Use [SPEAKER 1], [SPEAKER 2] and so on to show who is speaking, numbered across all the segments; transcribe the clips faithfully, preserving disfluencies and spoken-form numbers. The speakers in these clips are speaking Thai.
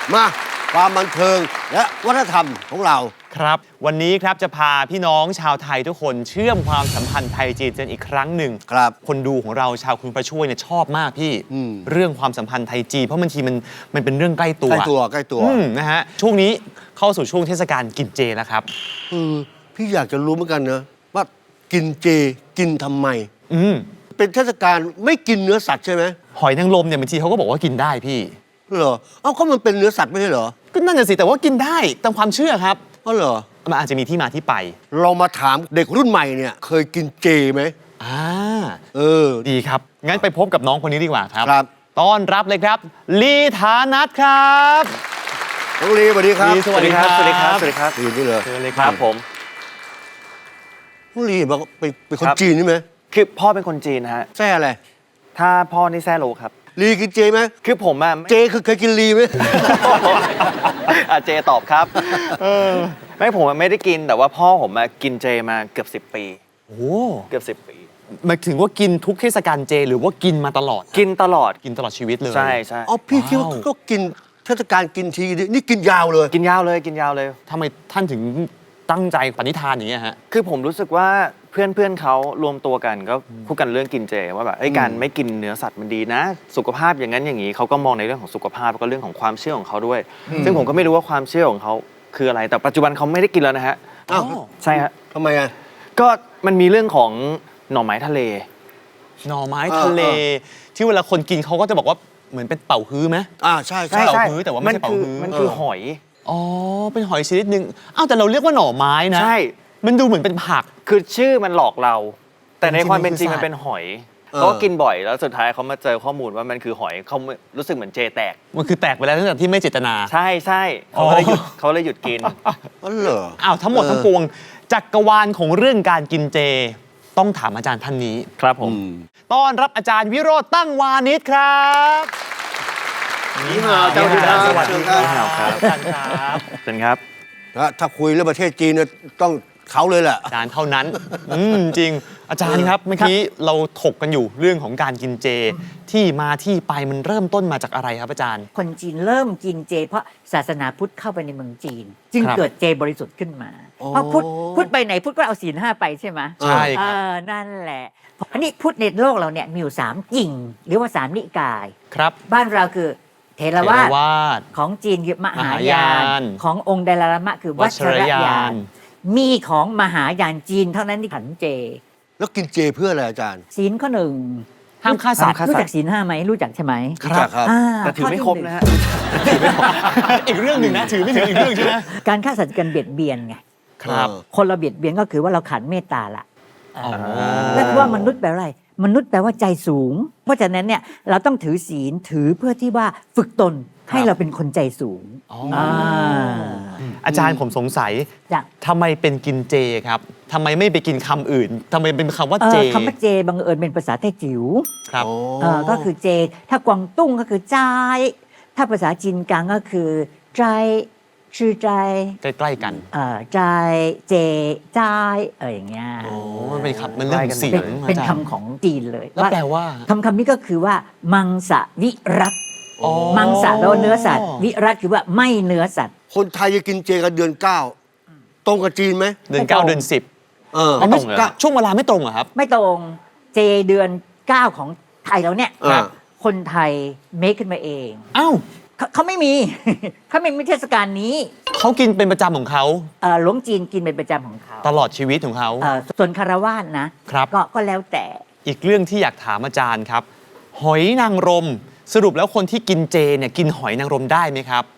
[SPEAKER 1] มาความบันเทิงและวัฒนธรรมของเรา
[SPEAKER 2] ครับวันนี้ครับจะพาพี่น้องชาวไทยทุกคนเชื่อมความสัมพันธ์ไทยจีนกันอีกครั้งหนึ่ง
[SPEAKER 1] ครับ
[SPEAKER 2] คนดูของเราชาวคุณประช่วยเนี่ยชอบมากพี่เรื่องความสัมพันธ์ไทยจีนเพราะบางทีมันมันเป็นเรื่องใกล้ตัว
[SPEAKER 1] ใกล้ตัวใกล้ตัว
[SPEAKER 2] นะฮะช่วงนี้เข้าสู่ช่วงเทศกาลกินเจแล้วครับ
[SPEAKER 1] เออพี่อยากจะรู้เหมือนกันนะว่ากินเจกินทำไม
[SPEAKER 2] อืม
[SPEAKER 1] เป็นเทศกาลไม่กินเนื้อสัตว์ใช่ไหม
[SPEAKER 2] หอยนางรมเนี่ยบางทีเขาก็บอกว่ากินได้พี่
[SPEAKER 1] เหรอเอ้าก็มันเป็นเนื้อสัตว์ไม่ใช่เหรอ
[SPEAKER 2] ก็นั่นน่ะสิแต่ว่ากินได้ตามความเชื่อครับ
[SPEAKER 1] อ๋อเหรอ
[SPEAKER 2] มันอาจจะมีที่มาที่ไป
[SPEAKER 1] เรามาถามเด็กรุ่นใหม่เนี่ยเคยกินเจไหม
[SPEAKER 2] อ่า
[SPEAKER 1] เออ
[SPEAKER 2] ดีครับงั้นไปพบกับน้องคนนี้ดีกว่าครับ
[SPEAKER 1] ครับ
[SPEAKER 2] ต้อนรับเลยครับลีฐานัทครับ
[SPEAKER 1] น้องลีสวัสดีครับ
[SPEAKER 2] สวัสดีครับ
[SPEAKER 3] สวัสดีครับสวัสดีครับ
[SPEAKER 1] ลีนี่เลย
[SPEAKER 2] เชิญเลยค
[SPEAKER 3] ค
[SPEAKER 2] รั
[SPEAKER 3] รั
[SPEAKER 2] บบ
[SPEAKER 3] ผม
[SPEAKER 1] น้องลีบอกเป็นเป็นคนจีนใช่ไหม
[SPEAKER 3] คือพ่อเป็นคนจีนนะฮะ
[SPEAKER 1] แซ่อะไร
[SPEAKER 3] ถ้าพ่อนี่แซ่โลครับ
[SPEAKER 1] ลีกินเจไหม
[SPEAKER 3] คือผมอะ
[SPEAKER 1] เจคือเคยกินลีไหม
[SPEAKER 3] อ่ะเจตอบครับไม่ผมอะไม่ได้กินแต่ว่าพ่อผมมากินเจมาเกือบสิบปี
[SPEAKER 2] โอ้
[SPEAKER 3] เกือบสิบปี
[SPEAKER 2] หมายถึงว่ากินทุกเทศกาลเจหรือว่ากินมาตลอด
[SPEAKER 3] กินตลอด
[SPEAKER 2] กินตลอดชีวิตเลย
[SPEAKER 3] ใช่ใช่
[SPEAKER 1] อ๋อพี่คิดว่าก็กินเทศกาลกินทีนี่กินยาวเลย
[SPEAKER 3] กินยาวเลยกินยาวเลย
[SPEAKER 2] ทำไมท่านถึงตั้งใจปณิธานอย่างนี้ฮะ
[SPEAKER 3] คือผมรู้สึกว่าเพื่อนเพื่อนเขารวมตัวกันก็พูดกันเรื่องกินเจว่าแบบการไม่กินเนื้อสัตว์มันดีนะสุขภาพอย่างนั้นอย่างนี้เขาก็มองในเรื่องของสุขภาพแล้วก็เรื่องของความเชื่อของเขาด้วยซึ่งผมก็ไม่รู้ว่าความเชื่อของเขาคืออะไรแต่ปัจจุบันเขาไม่ได้กินแล้วนะฮะ
[SPEAKER 1] อ้าว
[SPEAKER 3] ใช่ฮะ
[SPEAKER 1] ทำไมอ่ะ
[SPEAKER 3] ก็มันมีเรื่องของหน่อไม้ทะเล
[SPEAKER 2] หน่อไม้ทะเลที่เวลาคนกินเขาก็จะบอกว่าเหมือนเป็นเป่าฮื้อไหม
[SPEAKER 1] อ่าใช่
[SPEAKER 2] ใช่เป่าฮื้อแต่ว่าไม่ใช่เป่าฮื้อ
[SPEAKER 3] มันคือหอย
[SPEAKER 2] อ๋อเป็นหอยชนิดนึงอ้าวแต่เราเรียกว่าหน่อไม้นะ
[SPEAKER 3] ใช่
[SPEAKER 2] มันดูเหมือนเป็นผัก
[SPEAKER 3] คือชื่อมันหลอกเราแต่ในความเป็นจริงมันเป็นหอยเขาก็กินบ่อยแล้วสุดท้ายเขามาเจอข้อมูลว่ามันคือหอยเขารู้สึกเหมือนเจแตก
[SPEAKER 2] มันคือแตกไปแล้วตั้งแต่ที่ไม่เจตนา
[SPEAKER 3] ใช่ใช่เขาเลยหยุดเขาเลยหยุดกิน
[SPEAKER 1] อ๋อเหรอ
[SPEAKER 2] อ้าวทั้งหมดทั้งปวงจักรวาลของเรื่องการกินเจต้องถามอาจารย์ท่านนี้
[SPEAKER 3] ครับผม
[SPEAKER 2] ต้อนรับอาจารย์วิโรจน์ตั้งวานิชครับ
[SPEAKER 1] นี่ฮาวเจ้าที่สวัสดีครับ
[SPEAKER 2] อาจารย์ครับ
[SPEAKER 3] เชิญครับ
[SPEAKER 1] ถ้าคุยเรื่องประเทศจีนเนี่ยต้องเขาเลยแหละ
[SPEAKER 2] อาจารย์เท่านั้นอืมจริงอาจารย์ครับเมื่อกี้เราถกกันอยู่เรื่องของการกินเจที่มาที่ไปมันเริ่มต้นมาจากอะไรครับอาจารย์
[SPEAKER 4] คนจีนเริ่มกินเจเพราะศาสนาพุทธเข้าไปในเมืองจีนจึงเกิดเจบริสุทธิ์ขึ้นมาเพราะพุทธพุทธไปไหนพุทธก็เอาศีลห้าไปใช่ไหม
[SPEAKER 2] ใช่ครับ
[SPEAKER 4] นั่นแหละอันนี้พุทธในโลกเราเนี่ยมีอยู่สามกิ่งหรือว่าสามนิกาย
[SPEAKER 2] ครับ
[SPEAKER 4] บ้านเราคือเทรวาสของจีนคือมหายานขององค์ไดลามะคือวัชรยานมีของมหายานจีนเท่านั้นที่ฉันเจ
[SPEAKER 1] แล้วกินเจเพื่ออะไรอาจารย์
[SPEAKER 4] ศีลข้อหนึ่ง
[SPEAKER 2] ห้ามฆ่าสัตว์
[SPEAKER 4] รู้จักศีลห้าไหมรู้จักใช่ไหม
[SPEAKER 1] ครับ
[SPEAKER 3] แต่ถือไม่ครบนะฮะ
[SPEAKER 2] อีกเรื่องหนึ่งนะถือไม่ถึงอีกเรื่องใช่ไหม
[SPEAKER 4] การฆ่าสัตว์กันเบียดเบียนไง
[SPEAKER 2] ครับ
[SPEAKER 4] คนเราเบียดเบียนก็คือว่าเราขาดเมตตาละแล้วว่ามนุษย์แปลว่าอะไรมนุษย์แปลว่าใจสูงเพราะฉะนั้นเนี่ยเราต้องถือศีลถือเพื่อที่ว่าฝึกตนให้เราเป็นคนใจสูง
[SPEAKER 2] อาจารย์ผมสงสัยทำไมเป็นกินเจครับทำไมไม่ไปกินคำอื่นทำไมเป็นคำว่าเจ
[SPEAKER 4] คำว่าเจบังเอิญเป็นภาษาไต้จิ๋ว
[SPEAKER 2] ครับ
[SPEAKER 4] ก็คือเจถ้ากวางตุ้งก็คือจ้ายถ้าภาษาจีนกลางก็คือใจชื่อใจ
[SPEAKER 2] ใกล้ๆกัน
[SPEAKER 4] ใจเจจ้ายเอออย่างเงี้ย
[SPEAKER 2] โอ้มันเป็นคำมันเรื่องเสียง
[SPEAKER 4] เป็นคำของจีนเลย
[SPEAKER 2] แล้วแปลว่า
[SPEAKER 4] คำคำนี้ก็คือว่ามังสวิรัตมังสะแปลว่าเนื้อสัตว์วิรัตคือว่าไม่เนื้อสัตว์
[SPEAKER 1] คนไทยจะกินเจกันเดือนเก้าตรงกับจีนไหม
[SPEAKER 2] เดือนเก้าเดือนสิบ
[SPEAKER 1] เออ
[SPEAKER 2] ไม่ตรงช่วงเวลาไม่ตรงเหรอครับ
[SPEAKER 4] ไม่ตรงเจเดือนเก้าของไทยแล้วเนี่ยคนไทยเมคขึ้นมาเอง
[SPEAKER 2] อ้าว
[SPEAKER 4] เขาไม่มีเขาไม่มีเทศกาลนี้
[SPEAKER 2] เขากินเป็นประจำของเขา
[SPEAKER 4] หลวงจีนกินเป็นประจำของเขา
[SPEAKER 2] ตลอดชีวิตของเขา
[SPEAKER 4] ส่วนคารวาสนะครับก็ก็แล้วแต่
[SPEAKER 2] อีกเรื่องที่อยากถามอาจารย์ครับหอยนางรมสรุปแล้วคนที่กินเจเนี่ยกินหอยนางรมได้ไหมครับ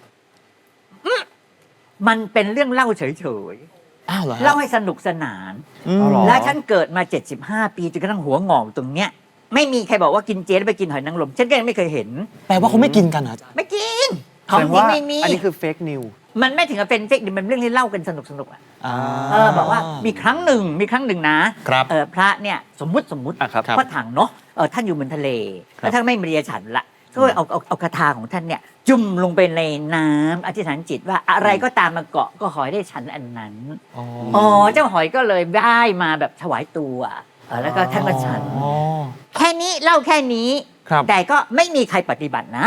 [SPEAKER 4] มันเป็นเรื่องเล่าเฉย
[SPEAKER 2] ๆอ้าวเหรอ
[SPEAKER 4] เล่าให้สนุกสนานแล้วฉันเกิดมาเจ็ดสิบห้าปีจนกระทั่งหัวงอกตรงเนี้ยไม่มีใครบอกว่ากินเจแล้วไปกินหอยนางรมฉันก็ยังไม่เคยเห็น
[SPEAKER 2] แปลว่าเขาไม่กินกันเหรอ
[SPEAKER 4] ไม่กินของจริงไม่มี
[SPEAKER 3] อันนี้คือเฟกนิว
[SPEAKER 4] มันไม่ถึงกับเป็นเฟกนิวมันเรื่องที่เล่ากันสนุกสนุกอ่ะเออบอกว่ามีครั้งหนึ่งมีครั้งหนึ่งนะเออพระเนี่ยสมมุติสมมุติพระถังเนาะเออท่านอยู่บนทะเลแล้วท่านไม่มีเรียฉันละก็เอาเอาเอาคาถาของท่านเนี่ยจุ่มลงไปในน้ำอธิษฐานจิตว่าอะไรก็ตามมาเกาะก็ขอให้ได้ฉันอันนั้นอ๋อเจ้าหอยก็เลยได้มาแบบถวายตัวแล้วก็ท่านก็ฉันแค่นี้เล่าแค่นี้แต่ก็ไม่มีใครปฏิบัตินะ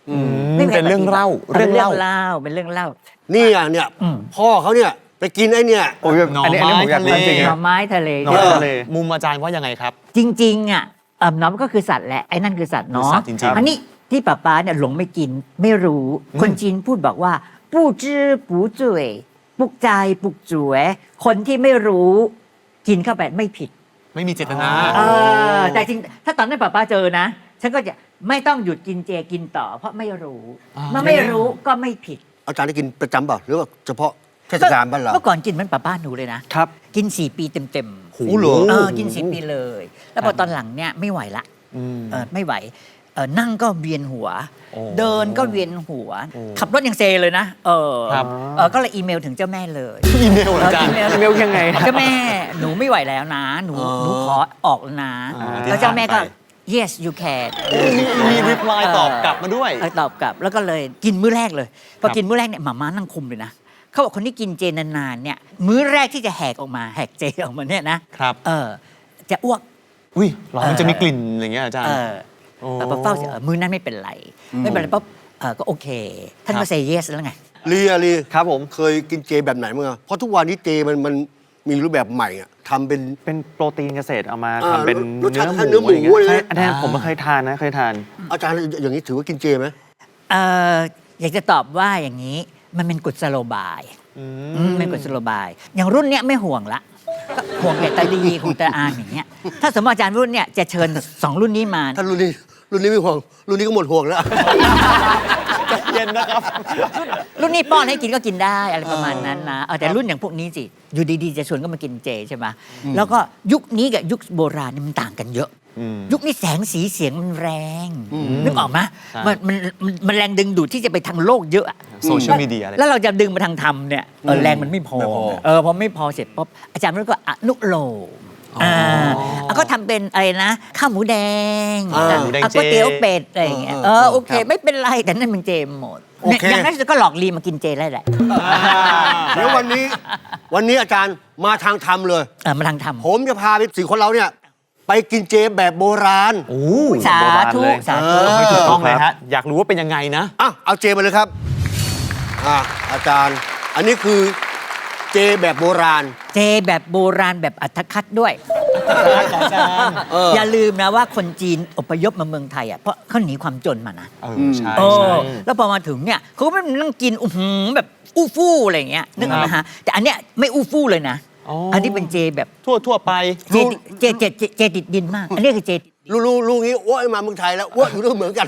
[SPEAKER 4] ไม่มีใค
[SPEAKER 2] เป็นเรื่องเล่า
[SPEAKER 4] เรื่อง
[SPEAKER 2] เรื่อง
[SPEAKER 4] เล่า
[SPEAKER 2] เล่า
[SPEAKER 4] เป็นเรื่องเล่า
[SPEAKER 1] นี่อ่ะเนี่ย
[SPEAKER 4] อืม
[SPEAKER 1] พ่อเขาเนี่ยไปกินไอ้เนี่ย
[SPEAKER 3] โอ้ยอันนี้อันนี้ผมอยากรู้จริง
[SPEAKER 4] ห
[SPEAKER 3] ๆ
[SPEAKER 4] น่อ
[SPEAKER 3] อะ
[SPEAKER 4] ไม้ทะเล
[SPEAKER 3] หน่อไม้ทะเล
[SPEAKER 2] มุมอาจารย์ว่ายังไงครับ
[SPEAKER 4] จริง ๆอ่ะเอ่อน้องก็คือสัตว์แหละไอ้นั่นคือสัตว์
[SPEAKER 2] คือ
[SPEAKER 4] เนาะ
[SPEAKER 2] สัตว์จริงๆ
[SPEAKER 4] อันนี้ที่ป้าป๊าเนี่ยหลงไม่กินไม่รู้ คนจีนพูดบอกว่าปูจื้อปูจุ๋ยปลุกใจปลุกจุ๋ยคนที่ไม่รู้กินเข้าไปไม่ผิด
[SPEAKER 2] ไม่มีเจตนา
[SPEAKER 4] เออแต่จริงถ้าตอนนั้นป้าป๊าเจอนะ ฉันก็จะไม่ต้องหยุดกินเจกินต่อ เพราะไม่รู้
[SPEAKER 2] อ่า
[SPEAKER 4] เมื่อไม่รู้ก็ไม่ผิด
[SPEAKER 1] อาจารย์ได้กินประจำเปล่าหรือว่าเฉพาะเทศกาลบ้านเรา
[SPEAKER 4] เมื่อก่อนกินเหมันป้าป้าหนูเลยนะครับ กินสี่ปีเต็มๆ
[SPEAKER 1] โอ้โหเหรอ
[SPEAKER 4] เออกินสี่ปีเลย แล้วพอตอนหลังเนี่ยไม่ไหวละ
[SPEAKER 2] อืม
[SPEAKER 4] เออไม่ไหวเออนั่งก็เวียนหัว
[SPEAKER 2] โอ้
[SPEAKER 4] เดินก็เวียนหัว
[SPEAKER 2] โอ้
[SPEAKER 4] ขับรถยังเซเลยนะเออ
[SPEAKER 2] ครับ
[SPEAKER 4] เออก็เลยอีเมลถึงเจ้าแม่เลย
[SPEAKER 2] อีเมลเหรออาจารย์
[SPEAKER 4] เออ
[SPEAKER 3] อีเมลยังไง
[SPEAKER 4] เจ้าแม่หนูไม่ไหวแล้วนะ หนู
[SPEAKER 1] อ๋อ
[SPEAKER 4] หนูขอออกแล้วนะ
[SPEAKER 2] อ่า
[SPEAKER 4] แล้วเจ้าแม่ก็
[SPEAKER 2] ที่ผ่านไป
[SPEAKER 4] yes you can
[SPEAKER 2] มีมีรีプライตอบกลับมาด้วย
[SPEAKER 4] เออตอบกลับแล้วก็เลยกินมื้อแรกเลย พอกินมื้อแรกเนี่ยหมาม่านั่งคุมเลยนะเขาบอกคนที่กินเจนานๆเนี่ยมื้อแรกที่จะแหกออกมาแหกเจออกมาเนี่ยนะครับ เออจะอ้วก
[SPEAKER 2] อุ้ยเหรอมันจะมีกลิ่นอย่างเงี้ยอาจารย์
[SPEAKER 4] เออ
[SPEAKER 2] โอ้
[SPEAKER 4] แต่พอเฝ้าเสร็จเออมื้อนั้นไม่เป็นไร ไม่เป็นไรปุ๊บเออก็โอเค ท่าน
[SPEAKER 2] ครั
[SPEAKER 4] ก็
[SPEAKER 2] บ
[SPEAKER 4] เซเยสแล้วไง
[SPEAKER 1] ลีอะลี
[SPEAKER 3] ครับผม
[SPEAKER 1] เคยกินเจแบบไหนมั้งอะเพราะทุกวันนี้เจมันมันมีรูปแบบใหม่อะทำเป็น
[SPEAKER 3] เป็นโปรตีนเกษตรเอามา
[SPEAKER 1] อ่า
[SPEAKER 3] ทำเป็น
[SPEAKER 1] รสชาติ
[SPEAKER 3] เนื้อหมู
[SPEAKER 1] เนื้อหมู
[SPEAKER 3] อะไรเงี้ย
[SPEAKER 1] เลย
[SPEAKER 3] ใช่อันนี้ผมไม่เคยทานนะเคยทาน
[SPEAKER 1] อาจารย์อย่างนี้ถือว่ากินเจไหม
[SPEAKER 4] เอออยากจะตอบว่าอย่างนี้มันเป็นกุศโลบาย
[SPEAKER 2] อื
[SPEAKER 4] อืมเป็นกุศโลบาย อย่างรุ่นเนี้ยไม่ห่วงละก็ห่วงแต่ตาลีของตาอานอย่างเงี้ยถ้าสมมติอาจารย์รุ่นเนี้ยจะเชิญสองรุ่นนี้มา
[SPEAKER 1] ถ้ารุ่นนี้รุ่นนี้ไม่ห่วงรุ่นนี้ก็หมดห่วงแล้ว
[SPEAKER 2] ใจเย็นนะครับ
[SPEAKER 4] รุ่นนี้ป้อนให้กินก็กินได้อะไรประมาณนั้นนะเออแต่รุ่นอย่างพวกนี้สิอยู่ดีๆจะชวนก็มากินเจใช่ไหมแล้วก็ยุคนี้กับยุคโบราณเนี่ยมันต่างกันเยอะ
[SPEAKER 2] อืม
[SPEAKER 4] ยุคนี้แสงสีเสียงมันแรง
[SPEAKER 1] อืม
[SPEAKER 4] นึกออกไหม
[SPEAKER 2] ใช่
[SPEAKER 4] มันมันมันมันแรงดึงดูดที่จะไปทางโลกเยอะอะ
[SPEAKER 2] โซเชียลมีเดียอะไร
[SPEAKER 4] แล้วเราจะดึงมาทางธรรมเนี่ยเออแรงมันไม่พอ
[SPEAKER 1] ไม่พอ
[SPEAKER 4] เออพอไม่พอเสร็จปุ๊บอาจารย์มันก็อนุโลมอ่าแล้วก็ทำเป็นอะไรนะข้าวหมูแดง
[SPEAKER 1] อ่า
[SPEAKER 2] หมูแดง
[SPEAKER 4] อ่ะ
[SPEAKER 2] เจ
[SPEAKER 4] ก๋วยเตี๋ยวเป็ดอะไรอย่างเงี้ย
[SPEAKER 1] เอ
[SPEAKER 4] เอ
[SPEAKER 1] อ
[SPEAKER 4] อ
[SPEAKER 1] เออ
[SPEAKER 4] โอเค
[SPEAKER 1] ครับ
[SPEAKER 4] ไม่เป็นไรแต่นั่นมันเจหมด
[SPEAKER 1] โอเค
[SPEAKER 4] อย่างนั้นก็หลอกลีมากินเจได้แหละ
[SPEAKER 1] เดี๋ยววันนี้วันนี้อาจารย์มาทางธรรมเลย
[SPEAKER 4] เออมาทางธรรม
[SPEAKER 1] ผมจะพาไปสี่คนเราเนี่ย ไปกินเจแบบโบราณ
[SPEAKER 2] โอ้
[SPEAKER 4] สาธุ
[SPEAKER 3] เลย
[SPEAKER 4] สาธุ
[SPEAKER 1] เออ
[SPEAKER 2] ไม่ถูกต้องเลยฮะ อยากรู้ว่าเป็นยังไงนะ
[SPEAKER 1] อ่ะเอาเจมาเลยครับอ่ะอาจารย์ อันนี้คือเจแบบโบราณ
[SPEAKER 4] เจแบบโบราณแบบอัตคัดด้วย
[SPEAKER 2] อาจารย์
[SPEAKER 1] เออ
[SPEAKER 4] อย่าลืมนะว่าคนจีนอพยพมาเมืองไทยอ่ะเพราะเขาหนีความจนมานะ
[SPEAKER 2] เออใช่
[SPEAKER 4] เอ
[SPEAKER 2] ใช่
[SPEAKER 4] อแล้วพอมาถึงเนี่ยเขาก็ไม่นั่งกินอื้อหือแบบอู้ฟู่อะไรอย่างเงี้ยนึกออกไหมฮะแต่อันเนี้ยไม่อู้ฟู่เลยนะ
[SPEAKER 2] อ๋ออั
[SPEAKER 4] อันนี้เป็นเจแบบ
[SPEAKER 2] ทั่วทั่วไป
[SPEAKER 4] เจเจเจเจเจติดดินมาก อันนี้คือเจติดดิน
[SPEAKER 1] รู้รู้รู้งี้อ้วมาเมืองไทยแล้วอ้วอยู่ด้วยเหมือนกัน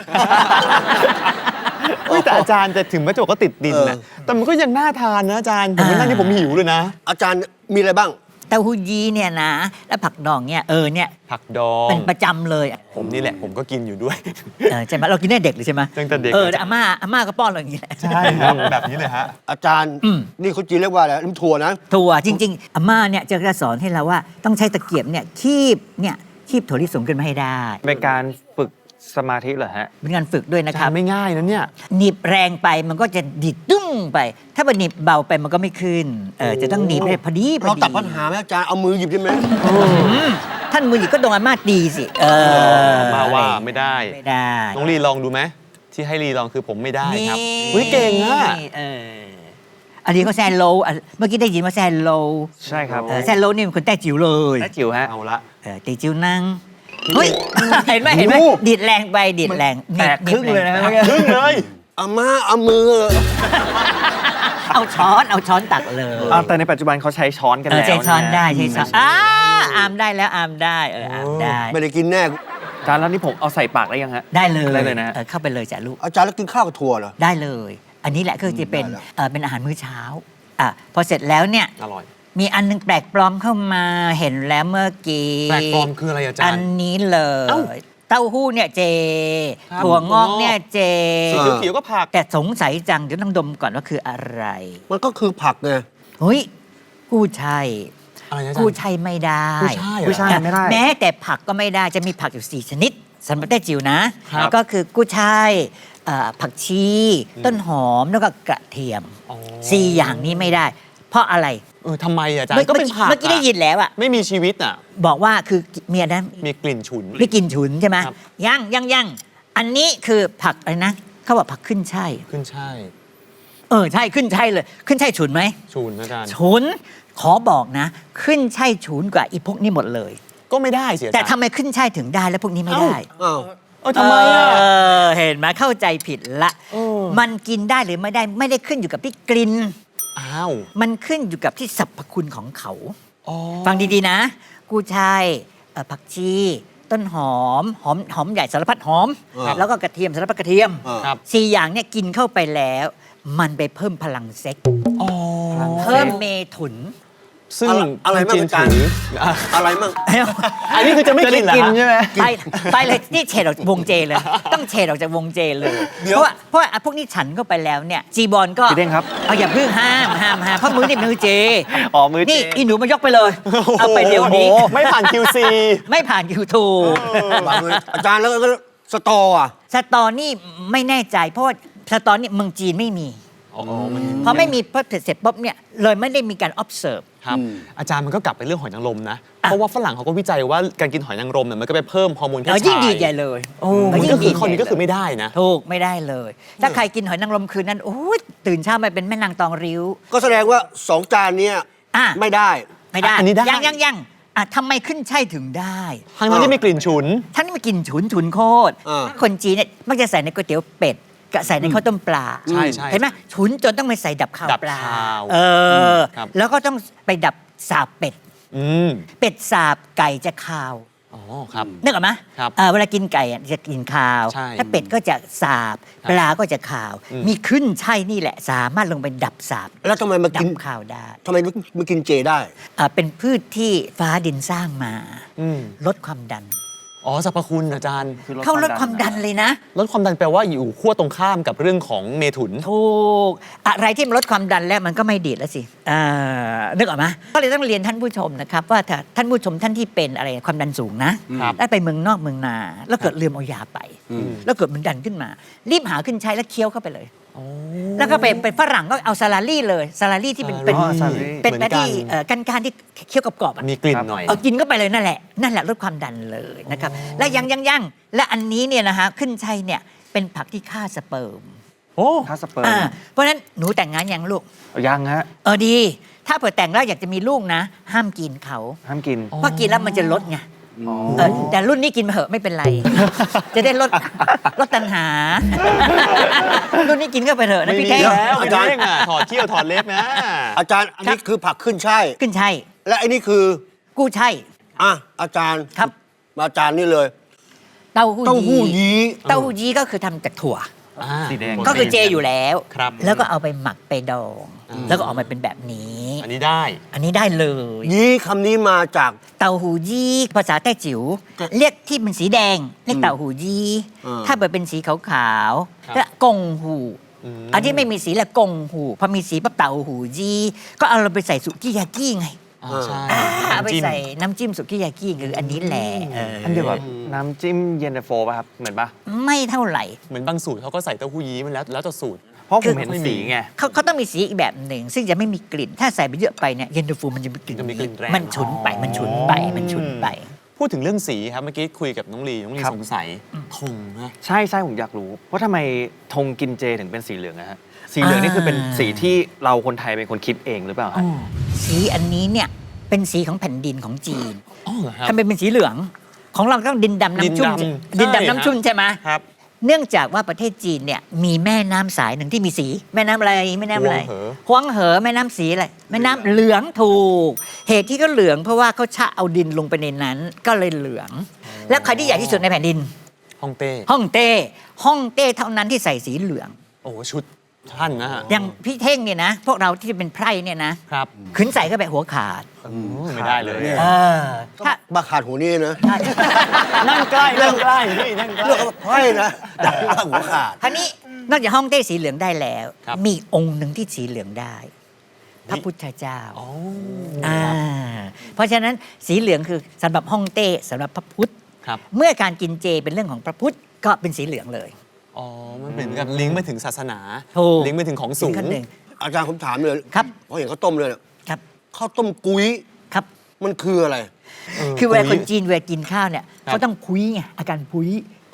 [SPEAKER 2] เฮ้ยแต่อาจารย์แต่ถึงแม้จะบอกว่าติดดินนะ
[SPEAKER 1] เออ
[SPEAKER 2] แต่มันก็ยังน่าทานนะอาจารย์ ผมไม่นั่งที่ผมหิวเลยนะ
[SPEAKER 1] อาจารย์มีอะไรบ้าง
[SPEAKER 4] เต้าหู้ยี้เนี่ยนะ แล้วผักดองเนี่ยเออเนี่ย
[SPEAKER 2] ผักดอง
[SPEAKER 4] เป็นประจำเลยอะ
[SPEAKER 2] ผมนี่แหละผมก็กินอยู่ด้วย
[SPEAKER 4] เออใช่ไหมเรากินได้เด็กเลยใช่ไหม
[SPEAKER 2] ตั้งแต่เด็ก
[SPEAKER 4] เออแต่อาม่าอาม่าก็ป้อนเราอย่างนี้แหละ
[SPEAKER 2] ใช่ครับ แบบนี้เลยฮะ
[SPEAKER 1] อาจารย์
[SPEAKER 4] อืม
[SPEAKER 1] นี่คนจีนเรียกว่าอะไรน้ำถั่วนะ
[SPEAKER 4] ถั่วจริง ๆอาม่าเนี่ยจะสอนให้เราว่าต้องใช้ตะเกียบเนี่ยคีบเนี่ยคีบถั่วลิสงขึ้นมาให้ได้
[SPEAKER 3] เป็นการฝึกสมาธิเหรอฮะ
[SPEAKER 4] เป็นการฝึกด้วยนะครั
[SPEAKER 2] ทา
[SPEAKER 4] บ
[SPEAKER 2] นไม่ง่ายนะเนี่ย
[SPEAKER 4] หนีบแรงไปมันก็จะดิดตุ้งไป ถ้ามันหนีบเบาไปมันก็ไม่ขึ้นเออจะต้องหนีบให้พอดีพอ
[SPEAKER 1] เรา
[SPEAKER 4] ดี
[SPEAKER 1] ตัดปัญหาไหมอาจารย์เอามือหยิบได้ไหม
[SPEAKER 4] อืมท่านมือหยิบก็โดนอาม่าตีสิเออ
[SPEAKER 2] มาว่าไม่ได้
[SPEAKER 4] ไม่ได้
[SPEAKER 2] น้องลีลองดูไหมที่ให้ลีลองคือผมไม่ได้ครับ
[SPEAKER 4] นี่
[SPEAKER 2] อุ้ยเก่งอะ
[SPEAKER 4] เอออันนี้เขาแซนโลอ่ะเมื่อกี้ได้ยินว่าแซนโล
[SPEAKER 3] ใช่ครับ
[SPEAKER 4] เออแซนโลนี่เป็นคนแต้จิ๋วเลย
[SPEAKER 3] และจิ๋วฮะ
[SPEAKER 2] เอาละ
[SPEAKER 4] เออตีจิ๋วนั่งเฮ้ยเห็นไหมเห็นไหม
[SPEAKER 2] โอ้
[SPEAKER 4] ดีดแรงไปดีดแรง
[SPEAKER 3] แตกครึ่งเลยนะ
[SPEAKER 4] หบ
[SPEAKER 3] เมื่อกี้
[SPEAKER 2] ครึ่งเลย
[SPEAKER 1] อาม่าเอามือ
[SPEAKER 4] เอาช้อนเอาช้อนตักเลย
[SPEAKER 3] อ่าแต่ในปัจจุบันเขาใช้ช้อนกัน
[SPEAKER 4] เออ
[SPEAKER 3] แล้ว
[SPEAKER 4] ใช้ช้อนได้
[SPEAKER 3] ะ
[SPEAKER 4] ใช้ช้อนอ่าอามได้แล้วอามได้เอออามได้
[SPEAKER 1] ไม่ได้กินแน่
[SPEAKER 3] จานแล้วนี่ผมเอาใส่ปากได้ยังฮะ
[SPEAKER 4] ได้เลย
[SPEAKER 3] ได้เลยนะ
[SPEAKER 4] ออเข้าไปเลยจ้ะลูก
[SPEAKER 1] อาจารย์แล้วกินข้าวกับถั่วเหรอ
[SPEAKER 4] ได้เลย อันนี้แหละก็จะเป็น
[SPEAKER 1] ได้แล้ว
[SPEAKER 4] เออเป็นอาหารมื้อเช้าอ่ะพอเสร็จแล้วเนี่ย
[SPEAKER 2] อร่อย
[SPEAKER 4] มีอันหนึงแปลกปลอมเข้ามาเห็นแล้วเมื่อกี้
[SPEAKER 2] แปลกปลอมคืออะไรอาจารย์
[SPEAKER 4] อันนี้เลย
[SPEAKER 2] เอ้า
[SPEAKER 4] เต้าหู้เนี่ยเจ
[SPEAKER 2] ครับ
[SPEAKER 4] ถั่วงอกเนี่ยเจ
[SPEAKER 2] สีเขียวๆก็ผัก
[SPEAKER 4] แต่สงสัยจังเดี๋ยวต้องดมก่อนว่าคืออะไร
[SPEAKER 1] มันก็คือผักไง
[SPEAKER 4] เฮ้ยกู้ชัย
[SPEAKER 2] อะไรนะอาจารย์
[SPEAKER 4] กู้ชัยไม่ได้
[SPEAKER 2] กู้ช่ายเหรอ
[SPEAKER 3] กู้ช่ายไม่ได้
[SPEAKER 4] แม้แต่ผักก็ไม่ได้จะมีผักอยู่สี่ชนิดสำหรับได้จิ๋วนะ
[SPEAKER 2] ครับ
[SPEAKER 4] ก็คือกู้ชัยเอ่อผักชี ต้นหอมแล้วก็กระเทียม
[SPEAKER 2] อ๋อ
[SPEAKER 4] สี่อย่างนี้ไม่ได้ เพราะอะไร
[SPEAKER 2] เออทำไมอาจาร
[SPEAKER 4] เมื่อ
[SPEAKER 2] ย์ก็เป็นผัก
[SPEAKER 4] เมื่อกี้ได้ยินแล้วอะ
[SPEAKER 2] ไม่มีชีวิตอ่ะ
[SPEAKER 4] บอกว่าคือเมียนั้น
[SPEAKER 2] มีกลิ่นฉุน
[SPEAKER 4] ไม่กินฉุนใช่ไหม
[SPEAKER 2] ครับ
[SPEAKER 4] ยังยังยังอันนี้คือผักอะไรนะเขาบอกผักขึ้นช่าย
[SPEAKER 2] ขึ้นใช่
[SPEAKER 4] เออใช่ขึ้นช่ายเลย ขึ้นช่ายฉุนไหม
[SPEAKER 2] ชูนอาจารย์
[SPEAKER 4] ฉุนขอบอกนะ ขึ้นช่ายฉุนกว่าอีพวกนี้หมดเลย
[SPEAKER 2] ก็ไม่ได้เสีย
[SPEAKER 4] แต่ทำไมขึ้นช่ายถึงได้แล้วพวกนี้ไม่ได้
[SPEAKER 1] อ้าว
[SPEAKER 2] เออทำไมอ่ะ
[SPEAKER 4] เออเห็นไหมเข้าใจผิดละ
[SPEAKER 2] เออ
[SPEAKER 4] มันกินได้หรือไม่ได้ไม่ได้ขึ้นอยู่กับที่กลิ่น
[SPEAKER 2] อ้าว
[SPEAKER 4] มันขึ้นอยู่กับที่สรรพคุณของเขา
[SPEAKER 2] อ๋อ
[SPEAKER 4] ฟังดีๆนะกูชายเอ่อผักชี ต้นหอม หอมหอมใหญ่สารพัดหอม
[SPEAKER 1] ครับ
[SPEAKER 4] แล้วก็กระเทียมสารพัดกระเทียม
[SPEAKER 2] ครับ
[SPEAKER 4] สี่อย่างเนี่ยกินเข้าไปแล้ว มันไปเพิ่มพลังเซ็ก
[SPEAKER 2] อ๋อ
[SPEAKER 4] เพิ่มเมถุน
[SPEAKER 2] ซึ่ง
[SPEAKER 1] อะไรอะไรบ้าง
[SPEAKER 2] จีน
[SPEAKER 1] อาจารย์
[SPEAKER 2] ถืออ่ะ
[SPEAKER 1] อะไรมั่ง
[SPEAKER 2] อันนี้คือจะไม่กินเหรอ
[SPEAKER 3] จะได้กิน
[SPEAKER 2] ฮะ
[SPEAKER 3] ใช่ไหม
[SPEAKER 4] ไปไปเลยนี่เฉดออกจากวงเจเลย ต้องเฉดออกจากวงเจเลย
[SPEAKER 1] เดี๋ยว
[SPEAKER 4] เพราะว่าเพราะว่าพวกนี้ฉันเข้าไปแล้วเนี่ยจีบอลก็
[SPEAKER 3] พี่เด้งครับ
[SPEAKER 4] เอาอย่าเพิ่งห้ามห้ามห้ามเพราะมือนี่มือเจ
[SPEAKER 3] อ๋อมือเจ
[SPEAKER 4] นี่อีหนูมายกไปเลย เอาไปเดี๋ยวนี้
[SPEAKER 2] โอ้โหไม่ผ่าน คิว ซี
[SPEAKER 4] ไม่ผ่านยูทูบ
[SPEAKER 1] วางมืออาจารย์แล้วก็สตออ่ะ
[SPEAKER 4] สตอนี่ไม่แน่ใจ เพราะว่าสตอนี่เมืองจีนไม่มี
[SPEAKER 2] อ๋อมัน
[SPEAKER 4] พอไม่มีพอเสร็จปุ๊บเนี่ยเลยไม่ได้มีการ observe
[SPEAKER 2] ครับ
[SPEAKER 1] อืม
[SPEAKER 2] อาจารย์มันก็กลับไปเรื่องหอยนางรมนะ เพราะว่าฝรั่งเขาก็วิจัยว่าการกินหอยนางรมเนี่ยมันก็ไปเพิ่มฮอร์โมนเพศ
[SPEAKER 4] เออ
[SPEAKER 2] ชาย
[SPEAKER 4] ยิ่งดีใหญ่เลย
[SPEAKER 2] โอ้
[SPEAKER 4] เ
[SPEAKER 2] มันก็คือ
[SPEAKER 4] ยิ่ง
[SPEAKER 2] ข้อนี้ก็คือ
[SPEAKER 4] ใหญ่เลย
[SPEAKER 2] ไม่ได้นะ
[SPEAKER 4] ถูกไม่ได้เลย ถ้าใครกินหอยนางรมคืนนั้นโอ้ยตื่นเช้ามาเป็นแม่นางตองริ้ว
[SPEAKER 1] ก็แสดงว่าสองจานเนี้ย
[SPEAKER 4] อ่ะ
[SPEAKER 1] ไม่ได้
[SPEAKER 4] ไม่ได้
[SPEAKER 2] อันนี้ได้
[SPEAKER 4] ยังยังยังอ่ะทำไมขึ้นใช่ถึงได้
[SPEAKER 2] ทั้งนั้นที่มีกลิ่นฉุน
[SPEAKER 4] ท่านนี่มากินฉุนฉุนโคตร
[SPEAKER 1] อ่า
[SPEAKER 4] คนจีนเนี่ยมักจะใส่ในก๋วยเตี๋ยวเป็ดกับใส่ในข้าวต้มปลา
[SPEAKER 2] ใช่ใช่
[SPEAKER 4] เห็นไหมฉุนจนต้องไปใส่ดับข้าว
[SPEAKER 2] ดับ
[SPEAKER 4] ปลา
[SPEAKER 2] คาว
[SPEAKER 4] เออ
[SPEAKER 2] ครับ
[SPEAKER 4] แล้วก็ต้องไปดับสาบเป็ด
[SPEAKER 2] อืม
[SPEAKER 4] เป็ดสาบไก่จะคาว
[SPEAKER 2] อ๋อครับ
[SPEAKER 4] นึกออกไหม
[SPEAKER 2] ครับ
[SPEAKER 4] เอ่อเวลากินไก่อ่ะจะกินคาว
[SPEAKER 2] ใช่
[SPEAKER 4] ถ้าเป็ดก็จะสาบ
[SPEAKER 2] ครับ
[SPEAKER 4] ปลาก็จะคาว
[SPEAKER 2] อืม
[SPEAKER 4] มีขึ้นใช่นี่แหละ สามารถลงไปดับสาบ
[SPEAKER 1] แล้วทำไมมา
[SPEAKER 4] ดั
[SPEAKER 1] กิน
[SPEAKER 4] บคาวได้
[SPEAKER 1] ทำไมมากินเจได้
[SPEAKER 4] อ่าเป็นพืชที่ฟ้าดินสร้างมา
[SPEAKER 2] อืม
[SPEAKER 4] ลดความดัน
[SPEAKER 2] อ๋อสรรพคุณอาจารย์
[SPEAKER 3] คือ
[SPEAKER 4] เขาลดความดันเลยนะ
[SPEAKER 2] ลดความดันแปลว่าอยู่ขั้วตรงข้ามกับเรื่องของเมถุน
[SPEAKER 4] ถูก อะไรที่มันลดความดันแล้วมันก็ไม่ดีดแล้วสิอ่านึกออกไหมก็เลยต้องเรียนท่านผู้ชมนะครับ ว่าถ้าท่านผู้ชมท่านที่เป็นอะไรความดันสูงนะครับ แล้วไปเมืองนอกเมืองนา แล้วเกิดลืมเอายาไป
[SPEAKER 1] อืม
[SPEAKER 4] แล้วเกิดมันดันขึ้นมา รีบหาขึ้นใช้แล้วเคี้ยวเข้าไปเลย แล้วก็ไปเป็นฝรั่งก็เอาซาลารี่เลยซาลารี่ที่เป็นเป็น
[SPEAKER 3] อ๋อซาลารี่
[SPEAKER 4] เป็น
[SPEAKER 2] เหมือน
[SPEAKER 4] ที่
[SPEAKER 2] กัน
[SPEAKER 4] เอ่อกันการที่เคี้ยวกรอบๆอะ
[SPEAKER 2] มีกลิ่นหน่อย
[SPEAKER 4] เอากินเข้าไปเลยนั่นแหละนั่นแหละลดความดันเลยนะครับ และยังยังยังและอันนี้เนี่ยนะฮะขึ้นชัยเนี่ยเป็นผักที่ฆ่าสเปิร์ม
[SPEAKER 2] โอ้
[SPEAKER 3] ถ้าสเปิร์ม
[SPEAKER 4] อ่าเพราะฉะนั้นหนูแต่งงานยังลูก
[SPEAKER 3] เอายังฮะ
[SPEAKER 4] เออดี ถ้าเผื่อแต่งแล้วอยากจะมีลูกนะ ห้ามกินเขา
[SPEAKER 3] ห้ามกิน
[SPEAKER 4] เพราะกินแล้วมันจะลดไงเออแต่รุ่นนี้กินมาเหอะไม่เป็นไร จะได้ลดลดตัณหา รุ่นนี้กินก็ไปเถอะนะ
[SPEAKER 2] ไม่
[SPEAKER 4] พี่
[SPEAKER 2] มี
[SPEAKER 4] แก้ว
[SPEAKER 2] แล้ว
[SPEAKER 1] อา
[SPEAKER 2] อา
[SPEAKER 1] จา
[SPEAKER 2] จาร ร
[SPEAKER 1] ย์
[SPEAKER 2] ย์ถอดเขี้ยวถอดเล็บนะ
[SPEAKER 1] อาจารย์อันนี้คือผักขึ้นช่าย
[SPEAKER 4] ขึ้นชัย
[SPEAKER 1] และอันนี้คือ
[SPEAKER 4] กู้ชัย
[SPEAKER 1] อ่ะอาจารย์
[SPEAKER 4] ครับ
[SPEAKER 1] อาจารย์นี่เลย
[SPEAKER 4] เต้าหู้
[SPEAKER 1] เต้าหู้ยี้
[SPEAKER 4] เต้าหู้ยี้ก็คือทำจากถั่ว
[SPEAKER 2] อ่า
[SPEAKER 3] สีแดง
[SPEAKER 4] ก็คือเจอยู่แล้ว
[SPEAKER 2] ครับ
[SPEAKER 4] แล้วก็เอาไปหมักไปดอง
[SPEAKER 2] อืม
[SPEAKER 4] แล้วก็ออกมาเป็นแบบนี้
[SPEAKER 2] อันนี้ได้
[SPEAKER 4] อันนี้ได้เลย
[SPEAKER 1] ยี้คำนี้มาจาก
[SPEAKER 4] เต่าหูยี่ภาษาแต้จิ๋วเรียกที่เป็นสีแดงเรียกเต่าหูยี่
[SPEAKER 1] อ่า
[SPEAKER 4] ถ้าเกิดเป็นสีขาว
[SPEAKER 2] ครับ
[SPEAKER 4] ๆและกงหู
[SPEAKER 2] อืม
[SPEAKER 4] อันที่ไม่มีสีละกงหูพอมีสีปั๊บเต่าหูยี่ก็เอาเราไปใส่สุกี้ยากิไง
[SPEAKER 2] อ่าใช่
[SPEAKER 4] อ่าเอาไป
[SPEAKER 2] น้ำจิ้ม
[SPEAKER 4] ใส่น้ำจิ้มสุกี้ยากิคืออันนี้แหละเออ
[SPEAKER 3] อันเดียวกับน้ำจิ้มเย็นตาโฟป่ะครับ เหมือนป่ะ
[SPEAKER 4] ไม่เท่าไหร่
[SPEAKER 2] เหมือนบางสูตรเขาก็ใส่เต้าหู้ยี้มันแล้วแล้วแต่สูตร
[SPEAKER 3] เพราะ
[SPEAKER 4] คื
[SPEAKER 3] ผ
[SPEAKER 4] อ
[SPEAKER 3] มเห็นสีไง
[SPEAKER 4] เขาเขาต้องมีสีอีกแบบหนึ่ง ซึ่งจะไม่มีกลิ่น ถ้าใส่ไปเยอะไปเนี่ยเย็นตาโฟมันจะมีกลิ่น
[SPEAKER 2] จะมีกลิ่นแรง
[SPEAKER 4] มันฉุนไปมันฉุนไปมันฉุนไป
[SPEAKER 2] พูดถึงเรื่องสีครับเมื่อกี้คุยกับน้องลีน้องลี
[SPEAKER 3] ครับ
[SPEAKER 2] สงสัยธงนะ
[SPEAKER 3] ใช่ใช่ผมอยากรู้ว่าทำไมธงกินเจถึงเป็นสีเหลืองนะฮะ สีเหลืองนี่คือเป็นสีที่เราคนไทยเป็นคนคิดเองหรือเปล่าฮะ
[SPEAKER 4] สีอันนี้เนี่ยเป็นสีของแผ่นดินของจีน
[SPEAKER 2] อ๋อเหรอครับ
[SPEAKER 4] ทำไมเป็นสีเหลือง ของเราต้องดินดำน้ำชุ่ม
[SPEAKER 2] ดินดำ
[SPEAKER 4] ดิน
[SPEAKER 2] ใช่
[SPEAKER 4] ดำน้ำชุ่มใช่ไหม
[SPEAKER 2] ครับ
[SPEAKER 4] เนื่องจากว่าประเทศจีนเนี่ยมีแม่น้ำสายหนึ่งที่มีสี แม่น้ำอะไรแม่น้ำอะไร
[SPEAKER 2] ฮวงเหอ
[SPEAKER 4] ฮวงเหอแม่น้ำสีอะไรแม่น้ำเหลืองถูก เหตุที่เขาเหลืองเพราะว่าเขาชะเอาดินลงไปในนั้นก็เลยเหลือง แล้วใครที่ใหญ่ที่สุดในแผ่นดิน
[SPEAKER 2] ฮ่องเต้
[SPEAKER 4] ฮ่องเต้ฮ่องเต้เท่านั้นที่ใส่สีเหลือง
[SPEAKER 2] โอ้ชุดท่านนะฮะ
[SPEAKER 4] อย่างพี่เท่งเนี่ยนะ พวกเราที่เป็นไพร่เนี่ยนะครับ ขึ้นใส่ก็แบบหัวขาด
[SPEAKER 2] โอ้ไม่ได้เลย
[SPEAKER 1] เนี่ย
[SPEAKER 4] เออถ้า
[SPEAKER 1] มาขาดหัวนี่นะ
[SPEAKER 2] นั่งใกล้นั่งใกล้พี่นั่งใกล้
[SPEAKER 1] เรื่องไพ่นะแต่ว่าหัวขาด
[SPEAKER 4] ท่านี้นอกจากฮ่องเต้สีเหลืองได้แล้ว
[SPEAKER 2] ครับ
[SPEAKER 4] มีองค์หนึ่งที่สีเหลืองได้ พระพุทธเจ้า
[SPEAKER 2] อ๋อ
[SPEAKER 4] อ่าเพราะฉะนั้นสีเหลืองคือสำหรับฮ่องเต้สำหรับพระพุทธ
[SPEAKER 2] ครับ
[SPEAKER 4] เมื่อการกินเจเป็นเรื่องของพระพุทธก็เป็นสีเหลืองเลย
[SPEAKER 2] อ๋อมันเหมือนกับลิงก์ไปถึงศาสนา
[SPEAKER 4] ถูก
[SPEAKER 2] ลิงก์ไปถึงของสูง
[SPEAKER 4] ขั้นหนึ่ง
[SPEAKER 1] อาจารย์ผมถามเลย
[SPEAKER 4] ครับ
[SPEAKER 1] เพราะเห็นข้าวต้มเลยเนี่ย
[SPEAKER 4] ครับ
[SPEAKER 1] ข้าวต้มกุ้ย
[SPEAKER 4] ครับ
[SPEAKER 1] มันคืออะไร
[SPEAKER 2] เออ
[SPEAKER 4] คือเวลา
[SPEAKER 2] คุ
[SPEAKER 4] ค
[SPEAKER 2] ย
[SPEAKER 4] นจีนเวลากินข้าวเนี่ย
[SPEAKER 2] ครับ
[SPEAKER 4] เขาต้องคุยไงอาการคุย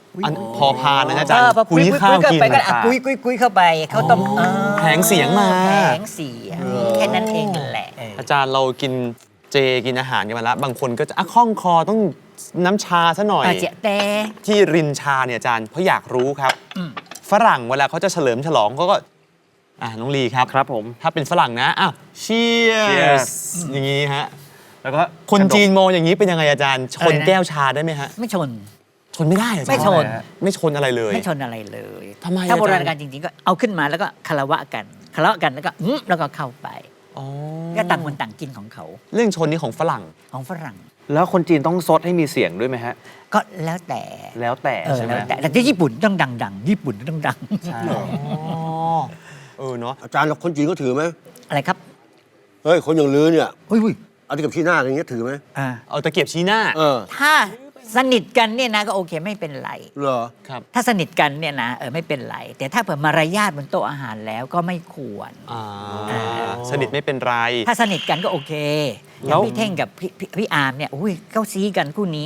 [SPEAKER 2] อันพอพานนะอาจาร
[SPEAKER 4] เอ
[SPEAKER 2] ย์
[SPEAKER 4] อพอคุย
[SPEAKER 2] คุย
[SPEAKER 4] คุย
[SPEAKER 2] ข้าว
[SPEAKER 4] เข้า
[SPEAKER 2] กิน
[SPEAKER 4] ไปก็อ่ะคุยคุยคุยเข้าไปเขาต้มเออ
[SPEAKER 2] แผงเสียงมา
[SPEAKER 4] แผงเสียงแค่นั้นเองนั่นแหละเออ
[SPEAKER 2] อาจารย์เรากินเจกินอาหารกันมาแล้วบางคนก็จะอ่ะคล่องคอต้องน้ำชาซะหน่อย
[SPEAKER 4] อาเจแต่
[SPEAKER 2] ที่รินชาเนี่ยอาจารย์เพราะอยากรู้ครับ
[SPEAKER 4] อืม
[SPEAKER 2] ฝรั่งเวลาเขาจะเฉลิมฉลองเขาก็อ่ะน้องลีครับ
[SPEAKER 3] ครับผม
[SPEAKER 2] ถ้าเป็นฝรั่งนะอ้าวเชีย
[SPEAKER 3] Cheers
[SPEAKER 2] สอย่างนี้ฮะ
[SPEAKER 3] แล้วก็
[SPEAKER 2] คนจีนมองอย่างนี้เป็นยังไงอาจารย์ ชน
[SPEAKER 4] อะไรนะ
[SPEAKER 2] แก้วชาได้ไหมฮะ
[SPEAKER 4] ไม่ชน
[SPEAKER 2] ชนไม่ได้เหรออาจารย์
[SPEAKER 4] ไม่ชน
[SPEAKER 2] ไม่ชนอะไรเลย
[SPEAKER 4] ไม่ชนอะไรเลย
[SPEAKER 2] ทำไม
[SPEAKER 4] ถ้า
[SPEAKER 2] อาจารย์
[SPEAKER 4] โบราณการจริงๆ ก็เอาขึ้นมาแล้วก็คารวะกันคารวะกันแล้วก็อื้อแล้วก็เข้าไป
[SPEAKER 2] อ๋อ
[SPEAKER 4] ก็ต่างคนต่างกินของเขา
[SPEAKER 2] เรื่องชนนี้ของฝรั่ง
[SPEAKER 4] ของฝรั่ง
[SPEAKER 3] แล้วคนจีนต้องซดให้มีเสียงด้วยไหมฮะ
[SPEAKER 4] ก็แล้วแต่
[SPEAKER 3] แล้วแต่
[SPEAKER 4] เออ
[SPEAKER 3] ใช่ไหม
[SPEAKER 4] แล้วแต่แต่ที่ญี่ปุ่นต้องดังๆ ญี่ปุ่นต้องดัง
[SPEAKER 3] ใช่
[SPEAKER 2] อ๋อเออเนาะ
[SPEAKER 1] อาจารย์แล้วคนจีนก็ถือไหม
[SPEAKER 4] อะไรครับ
[SPEAKER 1] เฮ้ยคนอย่างลือเนี่ย
[SPEAKER 4] อุ้ยอุ้ย
[SPEAKER 1] เอาที่กับชี้หน้าอย่างเงี้ยถือไหม
[SPEAKER 4] อ่า
[SPEAKER 2] เอาตะเกียบชี้หน้า
[SPEAKER 1] เออ
[SPEAKER 4] ถ้าสนิทกันเนี่ยนะก็โอเคไม่เป็นไร
[SPEAKER 1] เหรอ
[SPEAKER 2] ครับ
[SPEAKER 4] ถ้าสนิทกันเนี่ยนะเออไม่เป็นไร แต่ถ้าเผื่อมารยาทบนโต๊ะอาหารแล้วก็ไม่ควร
[SPEAKER 2] อ่าสนิทไม่เป็นไร
[SPEAKER 4] ถ้าสนิทกันก็โอเคอ
[SPEAKER 2] แล้
[SPEAKER 4] ย่าง
[SPEAKER 2] ว
[SPEAKER 4] พี่เท่งกับพี่พี่พี่อาร์มเนี่ยอุ้ยเขาซีกันคู่นี้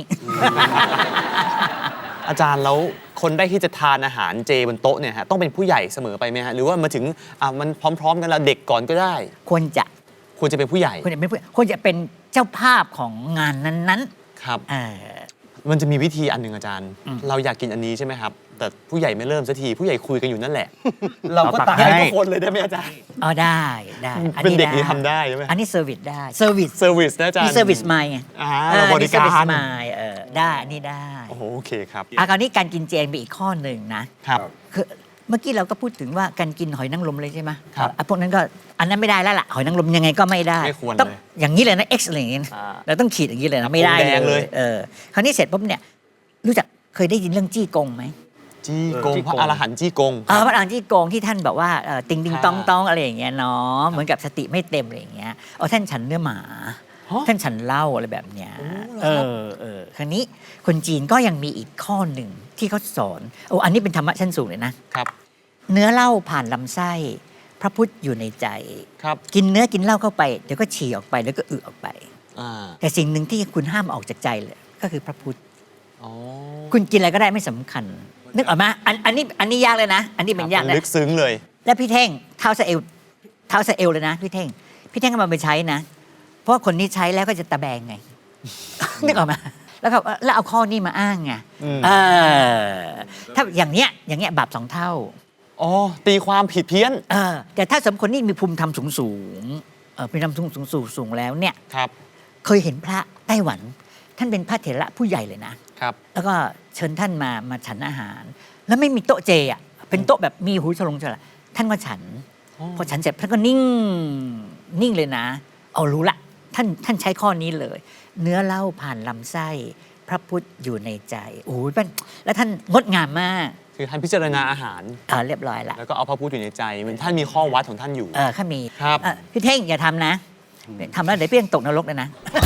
[SPEAKER 2] อาจารย์แล้วคนได้ที่จะทานอาหารเจบนโต๊ะเนี่ยฮะต้องเป็นผู้ใหญ่เสมอไปไหมฮะหรือว่ามาถึงอ่ะมันพร้อม ๆ กันแล้วเด็กก่อนก็ได้
[SPEAKER 4] ควรจะ
[SPEAKER 2] ควรจะเป็นผู้ใหญ่
[SPEAKER 4] ควรจะเป็นผู้ควรจะเป็นเจ้าภาพของงานนั้น
[SPEAKER 2] ครับ
[SPEAKER 4] ๆเออ
[SPEAKER 2] มันจะมีวิธีอันหนึ่งอาจารย์
[SPEAKER 4] อืม
[SPEAKER 2] เราอยากกินอันนี้ใช่ไหมครับ แต่ผู้ใหญ่ไม่เริ่มสักทีผู้ใหญ่คุยกันอยู่นั่นแหละ
[SPEAKER 3] เราก็ตักให้
[SPEAKER 2] ทุกคนเลยได้ไหมอาจารย์
[SPEAKER 4] อ๋อได้ได้อั
[SPEAKER 2] เป็นเด็กนี่ทำได้ใช่ไหม
[SPEAKER 4] อันนี้เซอร์วิสได้เซอร์วิส
[SPEAKER 2] เซอร์วิสนะอาจารย์
[SPEAKER 4] มีเซอร์วิสไมล์ไง
[SPEAKER 2] อ่า
[SPEAKER 4] เออ
[SPEAKER 2] เราบริการ
[SPEAKER 4] มี service mind เออได้อันนี้ได้
[SPEAKER 2] โอ้โหโอเคครับ
[SPEAKER 4] อ่ะคราวนี้การกินเจมีอีกข้อหนึ่งนะครับ คือเมื่อกี้เราก็พูดถึงว่าการกินหอยนางรมเลยใช่ไหม
[SPEAKER 2] ครับ
[SPEAKER 4] อ่ะพวกนั้นก็อันนั้นไม่ได้แล้วล่ะหอยนางรมยังไงก็ไม่ได้
[SPEAKER 2] ไม่ควร
[SPEAKER 4] ต้อง
[SPEAKER 2] เลย
[SPEAKER 4] อย่างนี้เลยนะ X อะไรอย่างงี้
[SPEAKER 2] อ่า
[SPEAKER 4] เราต้องขีดอย่างนี้เลยนะไม่ได้
[SPEAKER 2] ธงแดงเลย
[SPEAKER 4] เออคราวนี้เสร็จปุ๊บเนี่ยรู้จักเคยได้ยินเรื่องจี้กงไหม
[SPEAKER 2] จี้กง
[SPEAKER 3] จี้
[SPEAKER 2] พระ
[SPEAKER 3] กง
[SPEAKER 2] อรหันต์จี้กง
[SPEAKER 4] เออพระอรหันต์จี้กงที่ท่านบอกว่าเอ่อติงติง
[SPEAKER 2] ค่ะ
[SPEAKER 4] ตองตองอะไรอย่างเงี้ยเนาะเหมือนกับสติไม่เต็มอะไรอย่างเงี้ยเอาท่านฉันเนื้อหมา
[SPEAKER 2] ฮะ
[SPEAKER 4] ท่านฉันเหล้าอะไรแบบเนี้ย
[SPEAKER 2] โอ้
[SPEAKER 4] เอ
[SPEAKER 2] เหรอครับ
[SPEAKER 4] อเออคราวนี้คนจีนก็ยังมีอีกข้อหนึ่งที่เขาสอนโอ้อันนี้เป็นธรรมะชั้นสูงเลยนะ
[SPEAKER 2] ครับ
[SPEAKER 4] เนื้อเหล้าผ่านลำไส้ พระพุทธอยู่ในใจ
[SPEAKER 2] ครับ
[SPEAKER 4] กินเนื้อกินเหล้าเข้าไปเดี๋ยวก็ฉี่ออกไปแล้วก็อึออกไป
[SPEAKER 2] อ่า
[SPEAKER 4] แต่สิ่งหนึ่งที่คุณห้ามออกจากใจเลยก็คือพระพุทธ
[SPEAKER 2] อ๋อ
[SPEAKER 4] คุณกินอะไรก็ได้ไม่สำคัญ นึกออกไหมอันอันนี้อันนี้ยากเลยนะ อันนี้เป็นยาก
[SPEAKER 2] มัน
[SPEAKER 4] นะ
[SPEAKER 2] ลึกซึ้งเลย
[SPEAKER 4] แล้วพี่เท่งเท้าสะเอวเท้าสะเอวเลยนะพี่เท่งพี่เท่งก็มาไปใช้นะ เพราะว่าคนนี้ใช้แล้วก็จะตะแบงไง นึกออกไหมแล้วก็แล้วเอาข้อนี้มาอ้างไง
[SPEAKER 2] อืม
[SPEAKER 4] เออถ้าอย่างเนี้ยอย่างเงี้ยบาปสองเท่า
[SPEAKER 2] อ๋อตีความผิดเพี้ยน
[SPEAKER 4] เออแต่ถ้าสมคนนี้มีภูมิธรรมสูงสูงๆเออเป็นธรรมสูงสูงสูงสูงแล้วเนี่ย
[SPEAKER 2] ครับ
[SPEAKER 4] เคยเห็นพระไต้หวัน ท่านเป็นพระเถระผู้ใหญ่เลยนะ
[SPEAKER 2] ครับ
[SPEAKER 4] แล้วก็เชิญท่านมามาฉันอาหาร แล้วไม่มีโต๊ะเจอ่ะเป็นโต๊ะแบบมีหูฉลงฉลาท่านก็ฉัน
[SPEAKER 2] อ๋อ
[SPEAKER 4] พอฉันเสร็จท่านก็นิ่งนิ่งเลยนะ เอารู้ละท่านท่านใช้ข้อนี้เลย เนื้อเหล้าผ่านลำไส้ พระพุทธอยู่ในใจโอ้ยเป็นแล้วท่านงดงามมาก
[SPEAKER 2] คือท่านพิจารณาอาหาร
[SPEAKER 4] เออเรียบร้อยละ
[SPEAKER 2] แล้วก็เอาพระพุทธอยู่ในใจเหมือนท่านมีข้อวัดของท่านอยู่
[SPEAKER 4] เออข้ามี
[SPEAKER 2] ครับ
[SPEAKER 4] เออพี่เท่งอย่าทำนะทำแล้วเดี๋ยวพี่ยังตกนรกเลยนะ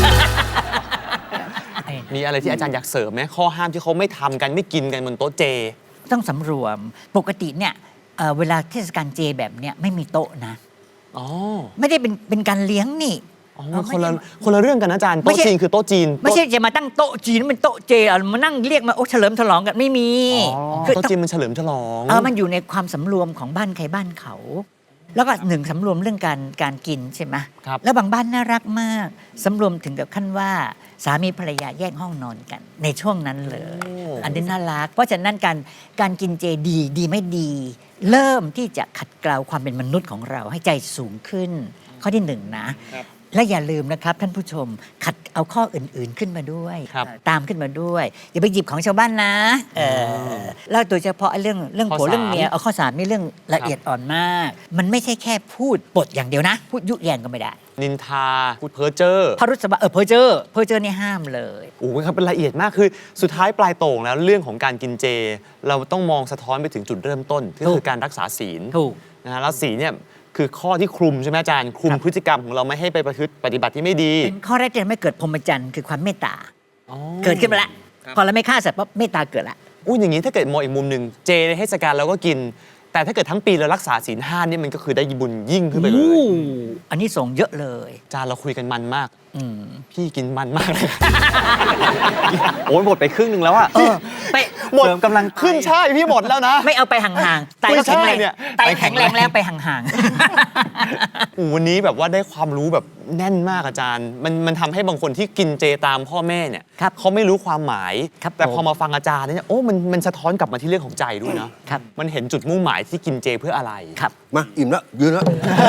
[SPEAKER 2] มีอะไรที่อาจารย์อยากเสริมไหมข้อห้ามที่เขาไม่ทำกันไม่กินกันบนโต๊ะเจ
[SPEAKER 4] ต้องสำรวมปกติเนี่ยเอ่อเวลาเทศกาลเจแบบเนี้ยไม่มีโต๊ะนะ
[SPEAKER 2] อ๋อ
[SPEAKER 4] ไม่ได้เป็นเป็นการเลี้ยงนี่
[SPEAKER 2] อ๋อ
[SPEAKER 4] เออ
[SPEAKER 2] คนละ
[SPEAKER 4] ไม่ได้
[SPEAKER 2] คนละเรื่องกันนะอาจารย์
[SPEAKER 4] ไม่
[SPEAKER 2] โต๊ะ
[SPEAKER 4] ใช่
[SPEAKER 2] จีนคือโต๊ะจีน
[SPEAKER 4] ไม่ใช่จะมาตั้งโต๊ะจีนเป็นโต๊ะเจเอามานั่งเรียกมาโอ้เฉลิมฉลองกันไม่มี
[SPEAKER 2] อ๋อ
[SPEAKER 4] คือ
[SPEAKER 2] โต๊ะ
[SPEAKER 4] ต้อง
[SPEAKER 2] จีนมันเฉลิมฉลอง
[SPEAKER 4] เออมันอยู่ในความสำรวมของบ้านใครบ้านเขา แล้วก็หนึ่งสำรวมเรื่องการการกินใช่ไหม
[SPEAKER 2] ครับ
[SPEAKER 4] แล้วบางบ้านน่ารักมากสำรวมถึงกับขั้นว่าสามีภรรยาแยกห้องนอนกัน ในช่วงนั้นเลย อันนี้น่ารัก เพราะฉะนั้นการการกินเจดีดีไม่ดี เริ่มที่จะขัดเกลาความเป็นมนุษย์ของเราให้ใจสูงขึ้น ข้อที่หนึ่งนะ และอย่าลืมนะครับท่านผู้ชมขัดเอาข้ออื่นๆขึ้นมาด้วย
[SPEAKER 2] ครับ
[SPEAKER 4] ตามขึ้นมาด้วย อย่าไปหยิบของชาวบ้านนะเออแล้วโดยเฉพาะเรื่องเรื่อง
[SPEAKER 2] ข้อ
[SPEAKER 4] ผัวเรื่อง
[SPEAKER 2] สาม
[SPEAKER 4] เมียเอาข้อสามนี่เรื่องละเอียดอ่อนมาก มันไม่ใช่แค่พูดปดอย่างเดียวนะ พูดยุแยงก็ไม่ได้
[SPEAKER 2] นินทาพูดเพ้อเจ้อ
[SPEAKER 4] พระรุษบะเออเพอเจอร์เพอเจอร์นี่ห้ามเลย
[SPEAKER 2] โอ้โหครับเป็นละเอียดมากคือสุดท้ายปลายโต่งแล้วเรื่องของการกินเจ เราต้องมองสะท้อนไปถึงจุดเริ่มต้นก็
[SPEAKER 4] ถู
[SPEAKER 2] คือก การรักษาศีล
[SPEAKER 4] ถูก
[SPEAKER 2] นะฮะแล้วศีลเนี่ยคือข้อที่คลุมใช่ไหมอาจารย์คลุมพฤติกรรมของเราไม่ให้ไปประพฤติปฏิบัติที่ไม่ดี
[SPEAKER 4] เป็นข้อแรกที่ทำให้เกิดพรหมจรรย์คือความเมตตา
[SPEAKER 2] อ๋อ
[SPEAKER 4] เกิดขึ้นมาละ
[SPEAKER 2] ครับ
[SPEAKER 4] พอเราไม่ฆ่าสัตว์ปั๊บเมตตาเกิดละ
[SPEAKER 2] อุ้ยอย่างนี้ถ้าเกิดมองอีกมุมหนึ่งเจในเทศกาลเราก็กินแต่ถ้าเกิดทั้งปีเรารักษาศีลห้านี่มันก็คือได้บุญยิ่งขึ้นไปเลย
[SPEAKER 4] อู้อันนี้ส่งเยอะเลย
[SPEAKER 2] อาจารย์เราคุยกันมันมาก
[SPEAKER 4] อืม
[SPEAKER 2] พี่กินมันมากเลย
[SPEAKER 3] โอ้ยหมดไปครึ่งหนึ่งแล้วอะ
[SPEAKER 4] เออไป
[SPEAKER 2] หมด
[SPEAKER 3] เสริมกำลัง
[SPEAKER 2] ขึ้นช่ายพี่หมดแล้วนะ
[SPEAKER 4] ไม่เอาไปห่างๆไตก็แข็งแรง
[SPEAKER 2] ไม่ใช่เนี่ย
[SPEAKER 4] ไตแข็งแรงแล้วไปห่าง
[SPEAKER 2] โอ้วันนี้แบบว่าได้ความรู้แบบแน่นมากอาจารย์ มันมันทำให้บางคนที่กินเจตามพ่อแม่เนี่ย
[SPEAKER 4] ครับ
[SPEAKER 2] เขาไม่รู้ความหมาย
[SPEAKER 4] ครับ
[SPEAKER 2] แต่
[SPEAKER 4] ผม
[SPEAKER 2] พอมาฟังอาจารย์เนี่ยโอ้มันมันสะท้อนกลับมาที่เรื่องของใจด้วยเนาะ
[SPEAKER 4] ครับ
[SPEAKER 2] มันเห็นจุดมุ่งหมายที่กินเจเพื่ออะไร
[SPEAKER 4] ๆครับ
[SPEAKER 1] มาอิ่มแล้วยืนแล้ว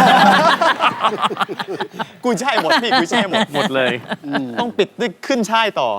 [SPEAKER 2] กูใช่ายหมดพี่กูใช่ายหมด
[SPEAKER 3] หมดเลย
[SPEAKER 2] ต้องปิดด้วยขึ้นช่ายต่อ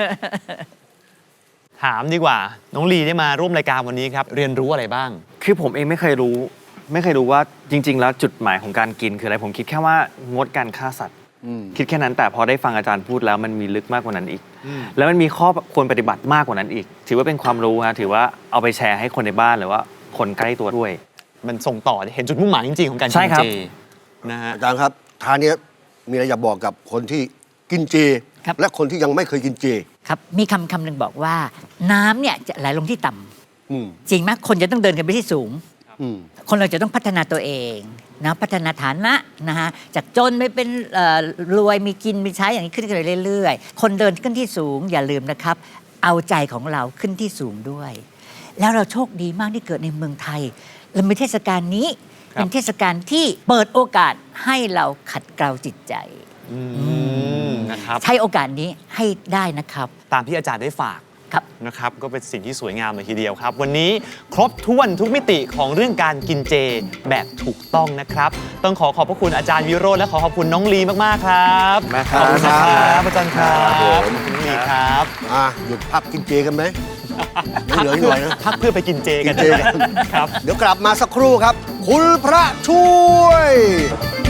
[SPEAKER 2] ถามดีกว่า น้องลีได้มาร่วมรายการวันนี้ครับ เรียนรู้อะไรบ้าง
[SPEAKER 3] คือผมเองไม่เคยรู้ ไม่เคยรู้ว่าจริง ๆ แล้วจุดหมายของการกินคืออะไรผมคิดแค่ว่างดการฆ่าสัตว์
[SPEAKER 1] อืม
[SPEAKER 3] คิดแค่นั้นแต่พอได้ฟังอาจารย์พูดแล้วมันมีลึกมากกว่านั้นอีก แล้วมันมีข้อควรปฏิบัติมากกว่านั้นอีก ถือว่าเป็นความรู้ฮะถือว่าเอาไปแชร์ให้คนในบ้านหรือว่าคนใกล้ตัวด้วย
[SPEAKER 2] มันส่งต่อเห็นจุดมุ่งหมายจริงๆของการ
[SPEAKER 3] ใช่
[SPEAKER 2] กิน
[SPEAKER 3] ครั
[SPEAKER 2] เจ
[SPEAKER 3] บ
[SPEAKER 2] นะฮะ
[SPEAKER 1] อาจารย์ครับทานเนี้ยมีอะไรอยากบอกกับคนที่กินเจ
[SPEAKER 4] ครับ
[SPEAKER 1] และคนที่ยังไม่เคยกินเจ
[SPEAKER 4] ครับ มีคำคำหนึ่งบอกว่า น้ำเนี่ยจะไหลลงที่ต่ำ
[SPEAKER 1] อืม
[SPEAKER 4] จริงไหมคนจะต้องเดินกันไปที่สูง
[SPEAKER 1] อืม
[SPEAKER 4] คนเราจะต้องพัฒนาตัวเองนะพัฒนาฐานะนะฮะจากจนไม่เป็นเอ่อรวยมีกินมีใช้อย่างนี้ขึ้นกันไปเรื่อยๆ คนเดินขึ้นที่สูงอย่าลืมนะครับ เอาใจของเราขึ้นที่สูงด้วย แล้วเราโชคดีมากที่เกิดในเมืองไทยเรามีเทศกาลนี้
[SPEAKER 2] ครับ
[SPEAKER 4] เป็นเทศกาลที่เปิดโอกาสให้เราขัดเกลาจิตใจ
[SPEAKER 2] อืมนะครับ
[SPEAKER 4] ใช้โอกาสนี้ให้ได้นะครับ
[SPEAKER 2] ตามที่อาจารย์ได้ฝาก
[SPEAKER 4] ครับ
[SPEAKER 2] นะครับก็เป็นสิ่งที่สวยงามเลยทีเดียวครับ วันนี้ครบถ้วนทุกมิติของเรื่องการกินเจแบบถูกต้องนะครับ ต้องขอขอบพระคุณอาจารย์วิโรจน์และขอขอบคุณน้องลีมากๆครับ
[SPEAKER 3] มากค
[SPEAKER 2] ข
[SPEAKER 3] รั
[SPEAKER 2] อบบ คุณนะครับอาจารย์ครับ
[SPEAKER 1] ครับผม
[SPEAKER 2] น้องลีครับ
[SPEAKER 1] อ่ะหยุดพักกินเจกันไหมยังเหลืออีกหน่อยนะ
[SPEAKER 2] พักเพื่อไปกินเจกัน
[SPEAKER 1] กินเจกัน
[SPEAKER 2] ครับ
[SPEAKER 1] เดี๋ยวกลับมาสักครู่ครับ คุณพระช่วย